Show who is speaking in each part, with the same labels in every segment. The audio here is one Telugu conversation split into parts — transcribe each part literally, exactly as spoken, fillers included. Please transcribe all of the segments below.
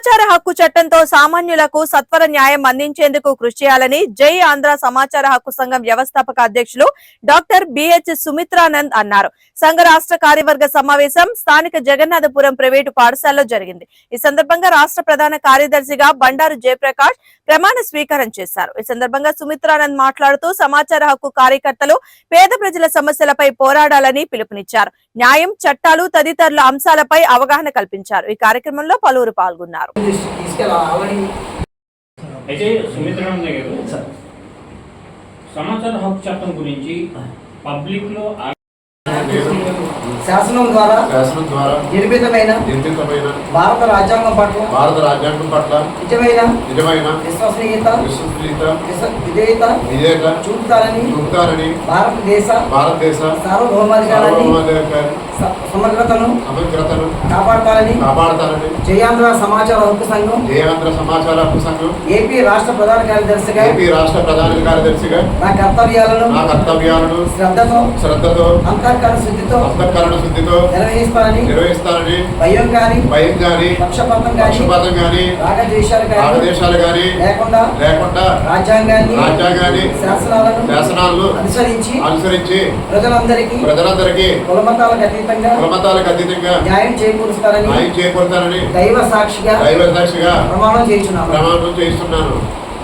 Speaker 1: సమాచార హక్కు చట్టంతో సామాన్యులకు సత్వర న్యాయం అందించేందుకు కృషి చేయాలని జై ఆంధ్ర సమాచార హక్కు సంఘం వ్యవస్థాపక అధ్యక్షులు డాక్టర్ బిహెచ్ సుమిత్రానంద్ అన్నారు. సంఘ రాష్ట్ర కార్యవర్గ సమావేశం స్థానిక జగన్నాథపురం ప్రైవేటు పాఠశాలలో జరిగింది. ఈ సందర్భంగా రాష్ట్ర ప్రధాన కార్యదర్శిగా బండారు జయప్రకాష్ ప్రమాణ స్వీకారం చేశారు. ఈ సందర్భంగా సుమిత్రానంద్ మాట్లాడుతూ సమాచార హక్కు కార్యకర్తలు పేద ప్రజల సమస్యలపై పోరాడాలని పిలుపునిచ్చారు. న్యాయం, చట్టాలు తదితరుల అంశాలపై అవగాహన కల్పించారు. ఈ కార్యక్రమంలో పలువురు పాల్గొన్నారు.
Speaker 2: అయితే సుమిత్రానంద గారు సమాచార హక్కు చట్టం గురించి పబ్లిక్ లో
Speaker 3: శాసనం ద్వారా
Speaker 4: శాసనం ద్వారా
Speaker 3: నిర్మితమైన
Speaker 4: నిర్మితమైన
Speaker 3: భారత రాజ్యాంగం పట్ల
Speaker 4: భారత రాజ్యాంగం పట్ల
Speaker 3: నిజమైన
Speaker 4: నిజమైన
Speaker 3: విశ్వసనీయత
Speaker 4: విశ్వసనీయత
Speaker 3: విధేయత
Speaker 4: విధేయత
Speaker 3: చూపుతారని
Speaker 4: చూపుతారని
Speaker 3: భారతదేశ
Speaker 4: భారతదేశ
Speaker 3: సార్వభౌమాధికారాన్ని సమగ్రతను
Speaker 4: సమగ్రతను
Speaker 3: కాపాడతారని
Speaker 4: కాపాడతారని
Speaker 3: జయాంధ్ర సమాచార హక్కు సంఘం
Speaker 4: జయాంధ్ర సమాచార హక్కు సంఘం
Speaker 3: ఏపీ రాష్ట్ర ప్రధాన కార్యదర్శిగా
Speaker 4: ఏపీ రాష్ట్ర ప్రధాన కార్యదర్శిగా
Speaker 3: నా కర్తవ్యాలను
Speaker 4: నా కర్తవ్యాలను
Speaker 3: శ్రద్ధతో
Speaker 4: శ్రద్ధతో
Speaker 3: అంతఃకరణ శుద్ధితో
Speaker 4: అంతఃకరణ శుద్ధితో
Speaker 3: నిర్వహిస్తానని
Speaker 4: నిర్వహిస్తానని
Speaker 3: భయం గాని
Speaker 4: భయం గాని
Speaker 3: పక్షపాతం గాని
Speaker 4: పక్షపాతం గాని
Speaker 3: రాగద్వేషాలు గాని
Speaker 4: రాగద్వేషాలు గాని
Speaker 3: లేకుండా
Speaker 4: లేకుండా
Speaker 3: రాజ్యాంగాన్ని
Speaker 4: రాజ్యాంగాన్ని
Speaker 3: శాసనాలను
Speaker 4: శాసనాలను
Speaker 3: అనుసరించి
Speaker 4: అనుసరించి
Speaker 3: ప్రజలందరికీ
Speaker 4: ప్రజలందరికీ
Speaker 3: కులమతాలకు అతీతంగా
Speaker 4: కులమతాలకు అతీతంగా
Speaker 3: న్యాయం చేకూరుస్తారని
Speaker 4: న్యాయం చేకూరుతారని
Speaker 3: దైవ సాక్షిగా
Speaker 4: దైవ సాక్షిగా
Speaker 3: ప్రమాణం చేస్తున్నాను
Speaker 4: ప్రమాణం చేస్తున్నాను.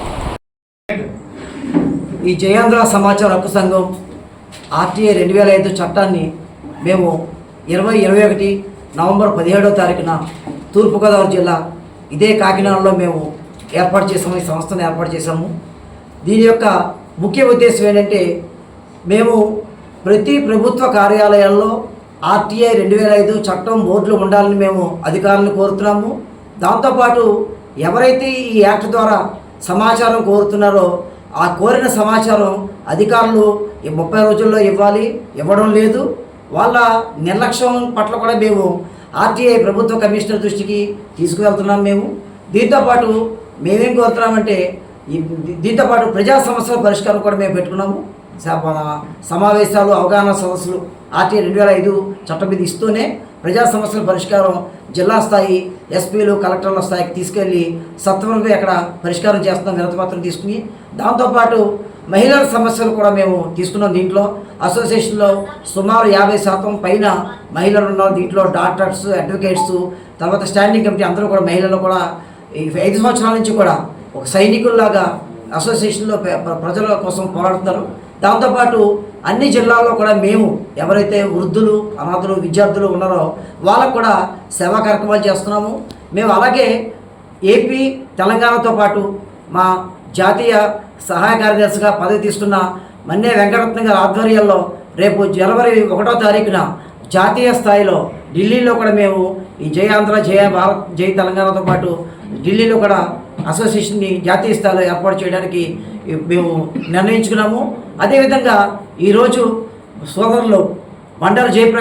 Speaker 3: ఈ జయాంధ్ర సమాచార హక్కు సంఘం ఆర్టీఐ రెండు వేల ఐదు చట్టాన్ని మేము ఇరవై ఇరవై ఒకటి నవంబర్ పదిహేడవ తారీఖున తూర్పుగోదావరి జిల్లా ఇదే కాకినాడలో మేము ఏర్పాటు చేసాము. ఈ సంస్థను ఏర్పాటు చేసాము. దీని యొక్క ముఖ్య ఉద్దేశం ఏంటంటే మేము ప్రతి ప్రభుత్వ కార్యాలయాల్లో ఆర్టీఐ రెండు వేల ఐదు చట్టం బోర్డులు ఉండాలని మేము అధికారులను కోరుతున్నాము. దాంతోపాటు ఎవరైతే ఈ యాక్ట్ ద్వారా సమాచారం కోరుతున్నారో ఆ కోరిన సమాచారం అధికారులు ఈ ముప్పై రోజుల్లో ఇవ్వాలి, ఇవ్వడం లేదు. వాళ్ళ నిర్లక్ష్యం పట్ల కూడా మేము ఆర్టీఐ ప్రభుత్వ కమిషనర్ దృష్టికి తీసుకువెళ్తున్నాం. మేము దీంతోపాటు మేమేం కోరుతున్నామంటే ఈ దీంతోపాటు ప్రజా సమస్యల పరిష్కారం కూడా మేము పెట్టుకున్నాము. సమావేశాలు, అవగాహన సదస్సులు ఆర్టీఐ రెండు వేల ఐదు చట్టం మీద ఇస్తూనే ప్రజా సమస్యల పరిష్కారం జిల్లా స్థాయి ఎస్పీలు, కలెక్టర్ల స్థాయికి తీసుకెళ్ళి సత్వరంగా అక్కడ పరిష్కారం చేస్తున్నాం వినతిపత్రం తీసుకుని. దాంతోపాటు మహిళల సమస్యలు కూడా మేము తీసుకున్నాం. దీంట్లో అసోసియేషన్లో సుమారు యాభై శాతం పైన మహిళలు ఉన్నారు. దీంట్లో డాక్టర్స్, అడ్వకేట్స్, తర్వాత స్టాండింగ్ కమిటీ అందరూ కూడా మహిళలు కూడా ఈ ఐదు సంవత్సరాల నుంచి కూడా ఒక సైనికుల్లాగా అసోసియేషన్లో ప్రజల కోసం పోరాడుతున్నారు. దాంతోపాటు అన్ని జిల్లాల్లో కూడా మేము ఎవరైతే వృద్ధులు, అనాథులు, విద్యార్థులు ఉన్నారో వాళ్ళకు కూడా సేవా కార్యక్రమాలు చేస్తున్నాము. మేము అలాగే ఏపీ, తెలంగాణతో పాటు మా జాతీయ సహాయ కార్యదర్శిగా పదవి తీసుకున్న మన్నే వెంకటరత్న గారి ఆధ్వర్యంలో రేపు జనవరి ఒకటో తారీఖున జాతీయ స్థాయిలో ఢిల్లీలో కూడా మేము ఈ జై ఆంధ్ర, జయ భారత్, జై తెలంగాణతో పాటు ఢిల్లీలో కూడా అసోసియేషన్ని జాతీయ స్థాయిలో ఏర్పాటు చేయడానికి మేము నిర్ణయించుకున్నాము. అదేవిధంగా ఈరోజు సోదరులు బండారు జయప్రకాష్